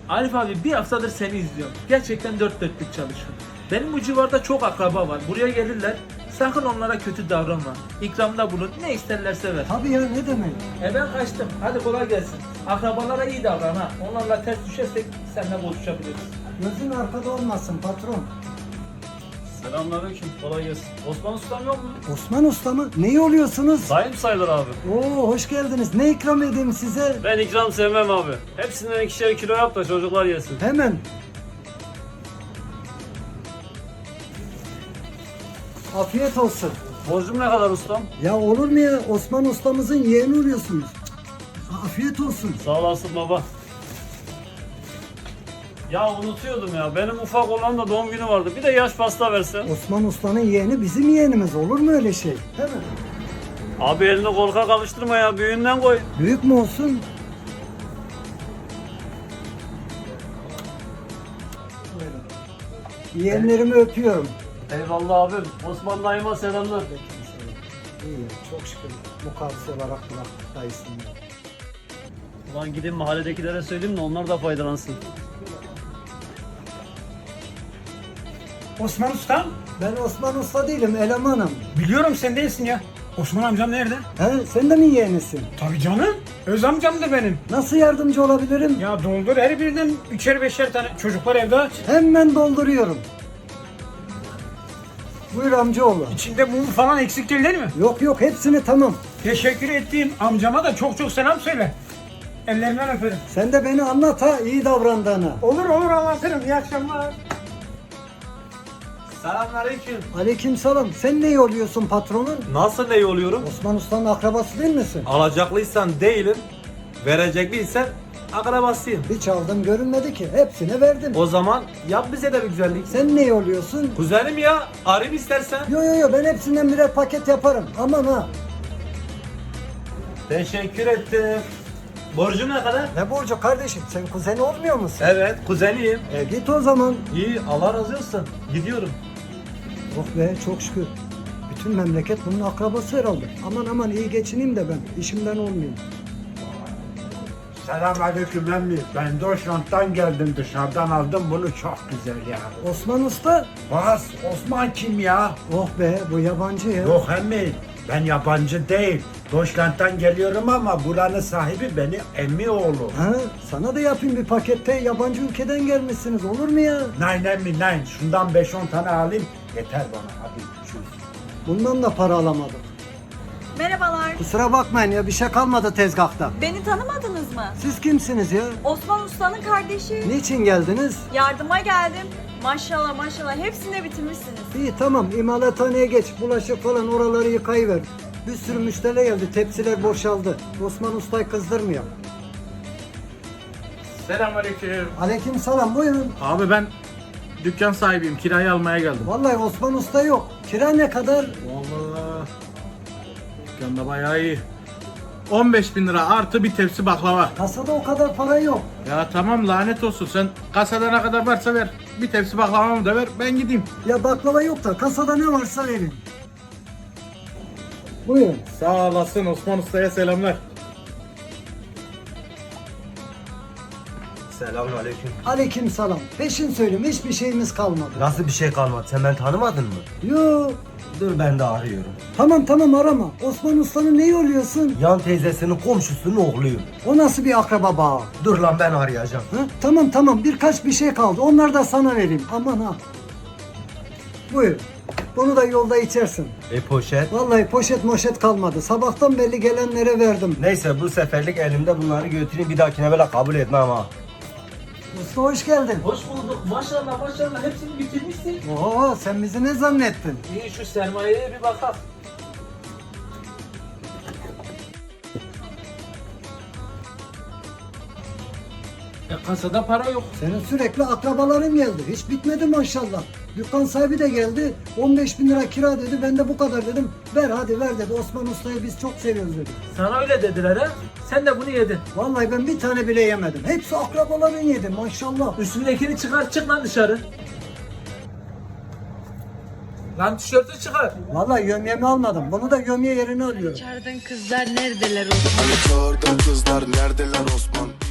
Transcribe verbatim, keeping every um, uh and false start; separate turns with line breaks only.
Arif abi bir haftadır seni izliyorum. Gerçekten dört dörtlük çalışıyorsun. Benim bu civarda çok akraba var. Buraya gelirler. Sakın onlara kötü davranma. İkramda bulun. Ne isterlerse ver.
Tabii ya, ne demek?
E ben kaçtım. Hadi kolay gelsin. Akrabalara iyi davran ha. Onlarla ters düşersek seninle konuşabiliriz.
Gözün arkada olmasın patron.
Selamünaleyküm, kolay gelsin. Osman Ustam yok mu?
Osman Usta mı? Neyi oluyorsunuz?
Sayın sayılır abi.
Oo, hoş geldiniz. Ne ikram edeyim size?
Ben ikram sevmem abi. Hepsinden ikişer kilo yap da çocuklar yesin.
Hemen. Afiyet olsun.
Borcum ne kadar ustam?
Ya olur mu ya? Osman ustamızın yeğeni oluyorsunuz. Afiyet olsun.
Sağ olasın baba. Ya unutuyordum ya. Benim ufak olan da doğum günü vardı. Bir de yaş pasta versen.
Osman ustanın yeğeni bizim yeğenimiz. Olur mu öyle şey? Hemen.
Abi elini korkak alıştırma ya. Büyüğünden koy.
Büyük mü olsun? Yeğenlerimi öpüyorum.
Eyvallah abim. Osman dayıma selamlar.
İyi, çok şükür mukavvis olarak bıraktık dayısını.
Ulan gidin mahalledekilere söyleyeyim de onlar da faydalansın.
Osman Ustam,
Ben Osman Usta değilim, elemanım.
biliyorum sen değilsin ya. Osman amcam nerede?
He, sen de mi yeğenisin?
Tabii canım. Öz amcam da benim.
Nasıl yardımcı olabilirim?
Ya doldur her birinden üçer beşer tane. Çocuklar evde aç.
Hemen dolduruyorum. Buyur amcaoğlu.
İçinde mum falan eksik değil, değil mi?
Yok yok, hepsini tamam.
Teşekkür ettiğim amcama da çok çok selam söyle. Ellerinden öperim.
Sen de beni anlat ha, iyi davrandığını.
Olur olur anlatırım. İyi akşamlar.
Selamünaleyküm.
Aleykümselam. Sen ne oluyorsun patronun?
Nasıl ne oluyorum?
Osman Usta'nın akrabası değil misin?
Alacaklıysan değilim, verecekliysen akrabasıyım.
Hiç aldım görünmedi ki. Hepsine verdim.
O zaman yap bize de bir güzellik.
Sen ne oluyorsun?
Kuzenim ya, arayayım istersen.
Yo yo yo, ben hepsinden birer paket yaparım. Aman ha.
Teşekkür ettim. Borcum ne kadar?
Ne borcu kardeşim? Sen kuzeni olmuyor musun?
Evet, kuzeniyim.
E git o zaman.
İyi, Allah razı olsun. Gidiyorum.
Oh be, çok şükür. Bütün memleket bunun akrabası herhalde. Aman aman, iyi geçineyim de ben. İşimden olmayayım.
Selamünaleyküm emmi. Ben Deutschland'dan geldim, dışarıdan aldım bunu, çok güzel ya.
Osman Usta.
Bas, Osman kim ya?
Oh be, bu yabancı ya.
Yok emmi, ben yabancı değil. Deutschland'dan geliyorum ama buranın sahibi benim emmi oğlu.
Ha, sana da yapayım bir pakette. Yabancı ülkeden gelmişsiniz, olur mu ya?
Nein emmi, nein. Şundan beş on tane alayım, yeter bana. Hadi çüz.
Bundan da para alamadık.
Merhabalar.
Kusura bakmayın ya, bir şey kalmadı tezgahta.
Beni tanımadınız mı?
Siz kimsiniz ya?
Osman Usta'nın kardeşi.
Niçin geldiniz?
Yardıma geldim. Maşallah maşallah hepsini bitirmişsiniz.
İyi tamam, imalathaneye geç. Bulaşık falan oraları yıkayıver. Bir sürü müşteri geldi, tepsiler boşaldı. Osman Usta'yı kızdırmıyor.
Selamünaleyküm.
Aleyküm selam, buyurun.
Abi ben dükkan sahibiyim. Kirayı almaya geldim.
Vallahi Osman Usta yok. Kira ne kadar?
Vallahi dükkanda bayağı iyi. on beş bin lira artı bir tepsi baklava.
Kasada o kadar para yok.
Ya tamam, lanet olsun. Sen kasada ne kadar varsa ver. Bir tepsi baklavamı da ver, ben gideyim.
Ya baklava yok da kasada ne varsa verin. Buyurun.
Sağ olasın, Osman Usta'ya selamlar.
Selamünaleyküm.
Aleyküm selam. Peşin söyleyeyim, hiçbir şeyimiz kalmadı.
Nasıl bir şey kalmadı? Sen beni tanımadın mı?
Yo.
Dur ben de arıyorum.
Tamam tamam, arama. Osman Usta'nın neyi oluyorsun?
Yan teyzesinin komşusunun oğluyum.
O nasıl bir akraba bağı?
Dur lan ben arayacağım.
Ha? Tamam tamam, birkaç bir şey kaldı. Onları da sana vereyim. Aman ha. Buyur. Bunu da yolda içersin.
E poşet.
Vallahi poşet moşet kalmadı. Sabahtan belli gelenlere verdim.
Neyse bu seferlik elimde bunları götüreyim, bir dahakine böyle kabul etmem ha.
Usta hoş geldin.
Hoş bulduk. Maşallah maşallah hepsini bitirmişsin.
Oo, sen bizi ne zannettin?
İyi, şu sermayeye bir bakalım. E kasada para yok.
Senin sürekli akrabaların geldi. Hiç bitmedi maşallah. Dükkan sahibi de geldi. on beş bin lira kira dedi. Ben de bu kadar dedim. Ver hadi ver dedi. Osman Usta'yı biz çok seviyoruz dedi.
Sana öyle dediler ha. Sen de bunu yedin.
Vallahi ben bir tane bile yemedim. Hepsi akrabaların yedi maşallah.
Üstündekini çıkar, çık lan dışarı. Lan tişörtü çıkar.
Vallahi gömyemi almadım. Bunu da gömye yerine alıyorum.
Çağırdın kızlar neredeler Osman?
Hani çağırdın kızlar neredeler Osman?